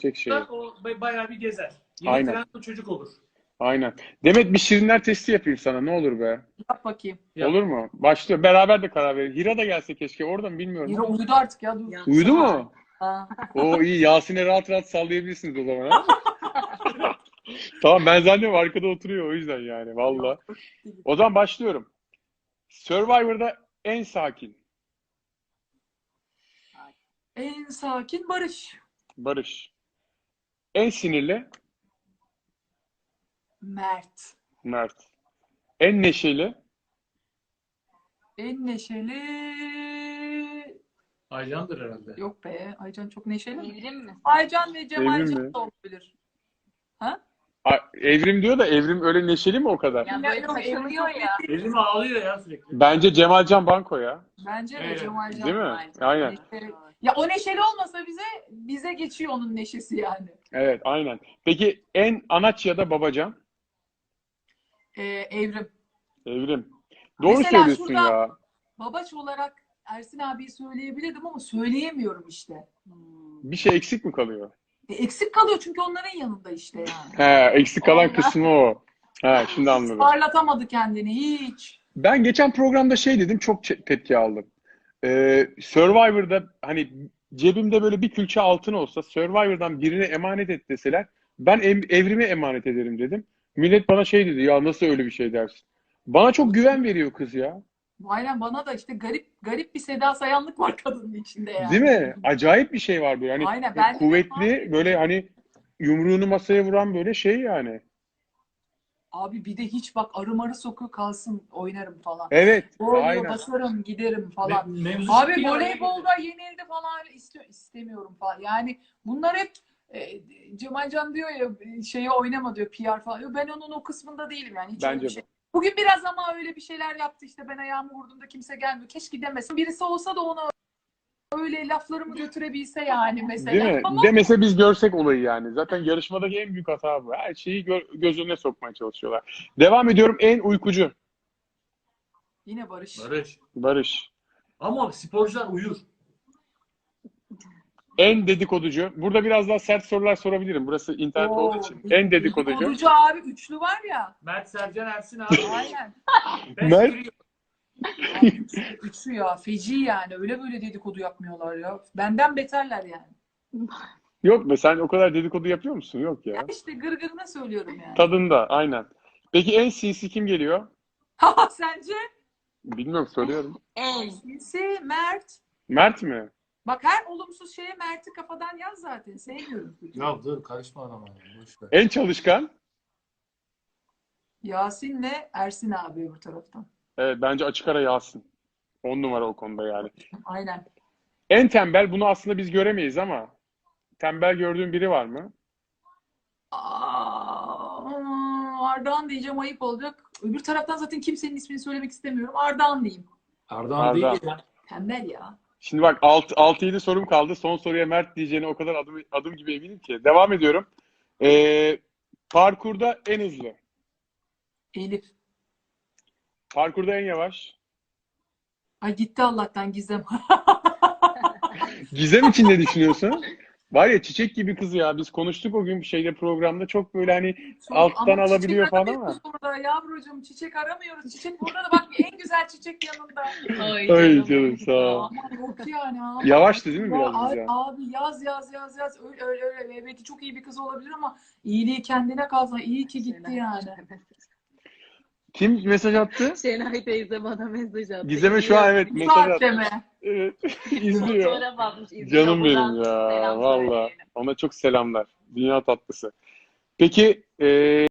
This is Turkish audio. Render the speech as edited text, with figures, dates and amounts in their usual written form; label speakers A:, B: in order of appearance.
A: çekecek şeyi.
B: O bayağı bir gezer. Yeni
A: Aynen.
B: trend o çocuk olur.
A: Aynen. Demet bir şirinler testi yapayım sana. Ne olur be?
C: Yap bakayım.
B: Yap.
A: Olur mu? Başlıyor. Beraber de karar verelim. Hira da gelse keşke. Orada mı bilmiyorum.
C: Yine uyudu artık ya. Dur.
A: Uyudu mu?
C: Ha.
A: O iyi. Yasin'e rahat rahat sallayabilirsiniz o zaman. Ha? Tamam, ben zannediyorum arkada oturuyor o yüzden yani. Valla. O zaman başlıyorum. Survivor'da en sakin.
C: En sakin Barış.
A: Barış. En sinirli.
C: Mert.
A: Mert. En neşeli.
C: En neşeli...
B: Aycan'dır herhalde.
C: Yok be. Aycan çok neşeli mi?
D: Evrim mi?
C: Aycan ve Cemal
A: Evrim
C: Can
A: mi?
C: da olabilir. Ha?
A: Evrim diyor da Evrim öyle neşeli mi o kadar?
D: Ya böyle
C: Yok,
D: takılıyor
C: Evrim
D: ya.
B: Evrim ağlıyor ya sürekli.
A: Bence Cemalcan Banko ya.
C: Bence de
B: Evet.
C: Cemal Can.
A: Değil mi?
D: Aycan.
A: Aynen.
C: Ya o neşeli olmasa bize geçiyor onun neşesi yani.
A: Evet, aynen. Peki en anaç ya da babacan?
C: Evrim.
A: Evrim. Doğru
C: Mesela
A: söylüyorsun
C: şurada-
A: ya.
C: Babaç olarak Ersin abiyi söyleyebilirdim ama söyleyemiyorum işte.
A: Bir şey eksik mi kalıyor?
C: Eksik kalıyor çünkü onların yanında işte yani.
A: He, eksik kalan
C: Aynen.
A: kısmı o. He, şimdi anladım.
C: Parlatamadı kendini hiç.
A: Ben geçen programda şey dedim, çok tepki aldım. Survivor'da hani cebimde böyle bir külçe altın olsa Survivor'dan birine emanet et deseler ben Evrim'e emanet ederim dedim. Millet bana şey dedi, ya nasıl öyle bir şey dersin? Bana çok güven veriyor kız ya.
C: Aynen, bana da işte garip bir Seda Sayanlık var kadının içinde yani.
A: Değil mi? Acayip bir şey var böyle. Hani
C: Aynen, bence de
A: kuvvetli, böyle hani yumruğunu masaya vuran böyle şey yani.
C: Abi bir de hiç bak arı marı sokuyor kalsın oynarım falan.
A: Evet,
C: Oluyor,
A: aynen.
C: basarım giderim falan.
B: Mevzu
C: Abi
B: çıktı ya.
C: voleybolda yenildi falan istemiyorum falan. Yani bunlar hep Cemalcan diyor ya şeye oynama diyor PR falan. Yok, ben onun o kısmında değilim yani. Hiç öyle
A: Bence
C: bir şey. Bugün biraz ama öyle bir şeyler yaptı işte, ben ayağımı vurduğumda kimse gelmiyor. Keşke demesin. Birisi olsa da ona öyle laflarımı götürebilse yani mesela.
A: Değil mi?
C: Ama
A: Demese biz görsek olayı yani. Zaten yarışmadaki en büyük hata bu. Her şeyi göz önüne sokmaya çalışıyorlar. Devam ediyorum. En uykucu.
C: yine Barış.
B: Barış.
A: Barış.
B: Ama sporcular uyur.
A: En dedikoducu. Burada biraz daha sert sorular sorabilirim. Burası internet olduğu için. En dedikoducu.
C: Dedikoducu abi üçlü var ya.
B: Mert, Sercan, Ersin abi.
C: Aynen.
B: Beş
A: Mert-
B: giriyor.
C: Abi, üçlü ya. Feci yani. Öyle böyle dedikodu yapmıyorlar ya. Benden beterler yani.
A: Yok be, sen o kadar dedikodu yapıyor musun? Yok ya.
C: Ya işte gırgırına söylüyorum yani.
A: Tadında, aynen. Peki en sinsi kim geliyor?
C: Ha sence?
A: Bilmiyorum, soruyorum.
D: En.
C: Sinsi, Mert.
A: Mert mi?
C: Bak her olumsuz şeye Mert'i kafadan yaz zaten. Sevmiyorum.
B: Ya dur karışma adama. Ya. Boş ver.
A: En çalışkan?
C: Yasin'le Ersin abi öbür taraftan.
A: Evet, bence açık ara Yasin. 10 numara o konuda yani.
C: Aynen.
A: En tembel, bunu aslında biz göremeyiz ama tembel gördüğün biri var mı?
C: Ardahan diyeceğim, ayıp olacak. Öbür taraftan zaten kimsenin ismini söylemek istemiyorum. Ardahan diyeyim.
B: Ardahan
A: Arda.
B: değil ya.
C: Tembel ya.
A: Şimdi bak 6-7 sorum kaldı. Son soruya Mert diyeceğine o kadar adım gibi eminim ki. Devam ediyorum. Parkurda en hızlı.
C: Elif.
A: Parkurda en yavaş.
C: Ay gitti Allah'tan Gizem.
A: Gizem için ne düşünüyorsun? Var ya, çiçek gibi kız ya. Biz konuştuk o gün bir şeyde, programda. Çok böyle hani alttan
C: Ama
A: alabiliyor
C: çiçek
A: falan ama.
C: aramıyoruz burada yavrucuğum. Çiçek aramıyoruz. Çiçek burada da bak, en güzel çiçek yanında.
A: Ay canım, sağ ol.
C: Aman yok yani abi.
A: Yavaştı değil mi
C: Ya
A: biraz biz ya?
C: abi yaz. Öyle. Belki çok iyi bir kız olabilir ama iyiliği kendine kalsa, iyi ki gitti yani.
A: Kim mesaj attı?
D: Şenay teyze bana mesaj attı.
A: Gizem'e şu an evet
C: Bu
A: mesaj
C: saatte
A: attı.
C: mi?
A: Evet. İzliyor.
D: Fotoğraf atmış, izliyor.
A: Canım benim
D: Buradan
A: ya.
D: selam
A: Valla.
D: söyleyelim.
A: Ona çok selamlar. Dünya tatlısı. Peki